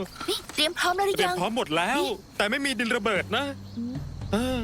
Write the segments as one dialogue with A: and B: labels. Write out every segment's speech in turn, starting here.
A: นี่เตรียมพร้อมแล้วหรื
B: เตรี
A: อย
B: ม
A: ยัง
B: พร้อมหมดแล้ว แต่ไม่มีดินระเบิดนะเออ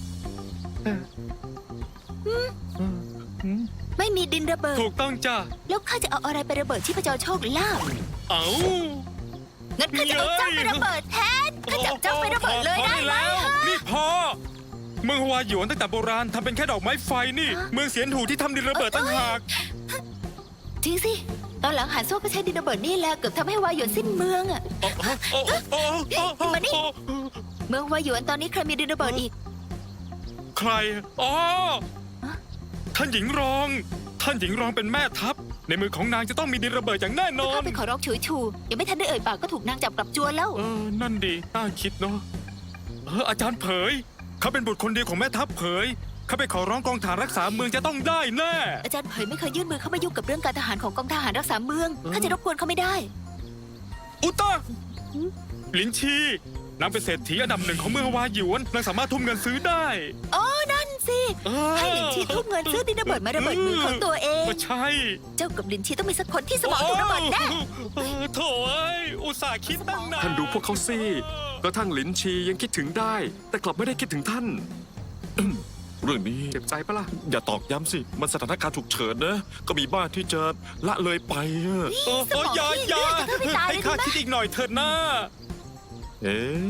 A: ไม่มีดินระเบิด
B: ถูกต้องจ้ะ
A: แล้วข้าจะเอาอะไรไประเบิดชีพจรโชคลาภ
B: เอ้า
A: งั้นข้าจะเอาเจ้าไประเบิดแทนข้าจับเจ้าไประเบิดเลยได้ไหม
B: แล้ว
A: ฮะ
B: นี่พอเมืองฮวาหยวนตั้งแต่โบราณทำเป็นแค่ดอกไม้ไฟนี่ เมืองเสียนหูที่ทำดินระเบิดตั้งหาก
A: จริงสิ ตอนหลังหานซั่วก็ใช้ดินระเบิดนี่แหละเกือบทำให้วาหยวนสิ้นเมืองอะมานี่ เมืองวาหยวนตอนนี้ใครมีดินระเบิดอีก
B: ใครอ๋อท่านหญิงรอง ท่านหญิงรองเป็นแม่ทัพในมือของนางจะต้องมีดินระเบิดอย่างแน่นอน
A: ข้าไปขอร้องฉูฉูยังไม่ทันได้เอ่ยปากก็ถูกนางจับกลับจวนแล้ว
B: นั่นดีน่าคิดเนาะอาจารย์เผยเขาเป็นบุตรคนเดียวของแม่ทัพเผยเขาไปขอร้องกองทหารรักษาเมืองจะต้องได้แน่
A: อาจารย์เผยไม่เคยยื่นมือเข้ามายุ่งกับเรื่องการทหารของกองทหารรักษาเมืองข้าจะรบกวนเขาไม่ได้
B: อุตตะหลินชีนางเป็นเศรษฐีอันดับหนึ่งของเมืองวาหยวนนางสามารถทุ่มเงินซื้อได้
A: อ๋อ นั่นสิ ให้หลินชีทุ่มเงินซื้อดินระเบิดมาระเบิดมือของตัวเอง
B: ก็ใช่
A: เจ้ากับหลินชีต้องมีสักคนที่สมองถูกระเบิดแน่
B: โถ่เอ้ยอุตส่าห์คิดตั้งนาน
C: ท่านดูพวกเขาสิกระทั่งหลินชียังคิดถึงได้ แต่กลับไม่ได้คิดถึงท่าน
D: เรื่องนี้
C: เจ็บใจปะล่ะ
D: อย่าตอกย้ำสิ มันสถานการณ์ฉุกเฉินนะ ก็มีบ้านที่จะละเลยไปอะ
A: สมอง
B: อย่า
A: ที่
B: อย่า
A: เลือดจะไม่ตาย
B: ให้
A: เลย
B: ข้า
A: นะ
B: คิดอีกหน่อยเถิดนะ
D: เอ๊ะ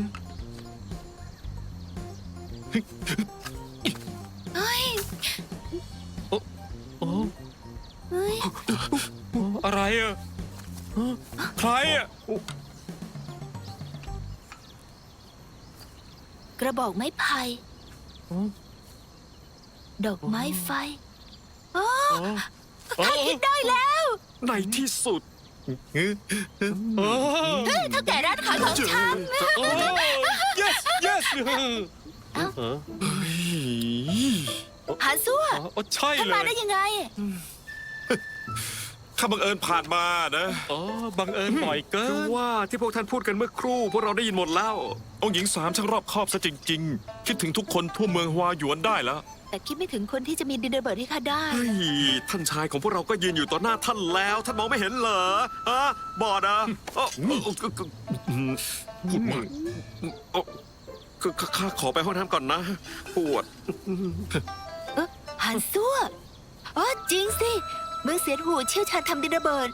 A: เฮ้ย
B: โอ้
A: เฮ้ย
B: อะไรอะใครอะ
A: กระบอกไม้ไผ่ดอกไม้ไฟอ๋อข้าคิดได้แล้ว
C: ในที่สุด
B: โอ้
A: เฮ้ยเท่าแก่ร้านขายของชำ
B: โอ้ yes yes
A: หาซั่ว
B: ใช่
A: ท่าน
B: เล
A: มาย ได้ยังไง
D: ข้าบังเอิญผ่านมานะ
B: อ๋อบังเอิญบ่อยเกิ
C: คือน ว่าที่พวกท่านพูดกันเมื่อครู่ พวกเราได้ยินหมดแล้ว
D: องค์หญิงสามช่างรอบคอบซะจริง ๆ คิดถึงทุกคนทั่วเมืองฮวาหยวนได้แล้ว
A: แต่คิดไม่ถึงคนที่จะมีดินระเบิดให้ข้าได้
C: เฮ้ย ท่านชายของพวกเราก็ยืนอยู่ต่อหน้าท่านแล้ว ท่านมองไม่เห็นเหรอฮะบอดอ่ะพูดมากข้าขอไปห้องน้ำก่อนนะ ปวด
A: หานซั่วอ๋อจริงสิเมืองเสียนหูเชี่ยวชาญทำดินระเบิด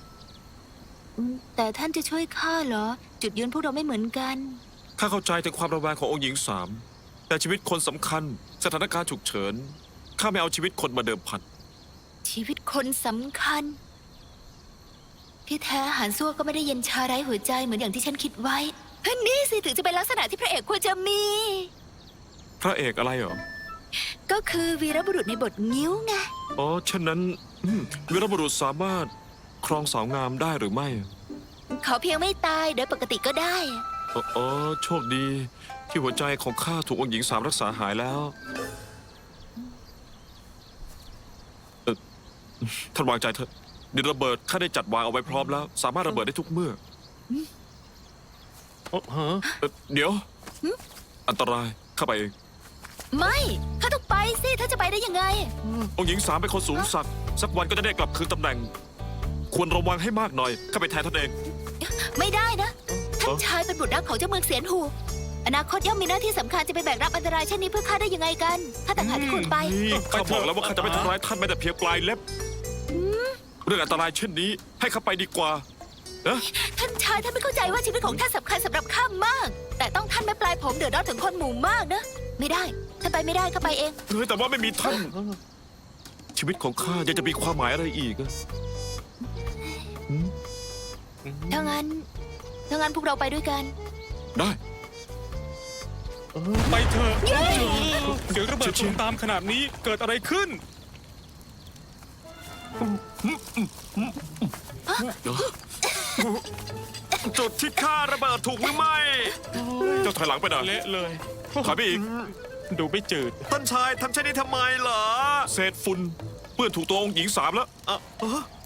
A: แต่ท่านจะช่วยข้าเหรอ จุดยืนพวกเราไม่เหมือนกัน
D: ข้าเข้าใจถึงความระแวงขององค์หญิงสาม แต่ชีวิตคนสำคัญ สถานการณ์ฉุกเฉิน ข้าไม่เอาชีวิตคนมาเดิมพัน
A: ชีวิตคนสำคัญ ที่แท้หานซั่วก็ไม่ได้เย็นชาไร้หัวใจเหมือนอย่างที่ฉันคิดไว้นี่สิถึงจะเป็นลักษณะที่พระเอกควรจะมี
D: พระเอกอะไรเหรอ
A: ก็คือวีรบุรุษในบทงิ้วไง
D: อ๋อฉะนั้นวีรบุรุษสามารถครองสาวงามได้หรือไม่
A: ขอเพียงไม่ตายโดยปกติก็ได้
D: อ๋อโชคดี ที่หัวใจของข้าถูกองค์หญิงสามรักษาหายแล้วท่านวางใจเถอะดินระเบิดข้าได้จัดวางเอาไว้พร้อมแล้ว สามารถระเบิดได้ทุกเมื่อ เดี๋ยว อันตรายข้าไปเอง
A: ไม่ข้าต้องไปสิถ้าจะไปได้ยังไง
D: องค์หญิงสามเป็นคนสูงสักดิ์สักวันก็จะได้กลับคืนตำแหน่ง ควรระวังให้มากหน่อยข้าไปแทนท่านเอง
A: ไม่ได้นะ ท่านชายเป็นบุตรรักของเจ้าเมืองเสียนหู อนาคตย่อมมีหน้าที่สำคัญจะไปแบกรับอันตรายเช่นนี้เพื่อข้าได้ยังไงกันข้าต่างหากที่ควรไป
D: ข้าบอกแล้วว่าข้าจะไม่ทำร้ายท่านแม้แต่เพียงปลายเล็บ เรื่องอันตรายเช่นนี้ ให้ข้าไปดีกว่านะ
A: ท่านชายท่านไม่เข้าใจว่าชีวิตของท่านสำคัญสำหรับข้ามาก แต่ต้องท่านไม่ปลายผมเดือดร้อนถึงคนหมู่มากนะ ไม่ได้ท่านไปไม่ได้ข้าไปเอง
D: แต่ว่าไม่มีท่าน ชีวิตของข้ายังจะมีความหมายอะไรอีกอะ
A: ถ้างั้นพวกเราไปด้วยกัน
D: ได้
B: ไปเถอะเสียงระเบิดตูมตามขนาดนี้เกิดอะไรขึ้น
C: จุดที่ข้าระเบิดถูกหรือไม่
D: เจ้าถอยหลังไปหน่อย
B: เละเลย
D: ถอยไปอีก
B: ดูไม่จืด
C: ท่านชายทำเช่นนี้ทำไมเหรอ
D: เศษฝุ่นเปื้อนถูกตัวองค์หญิงสามแล้ว
C: เอ่อ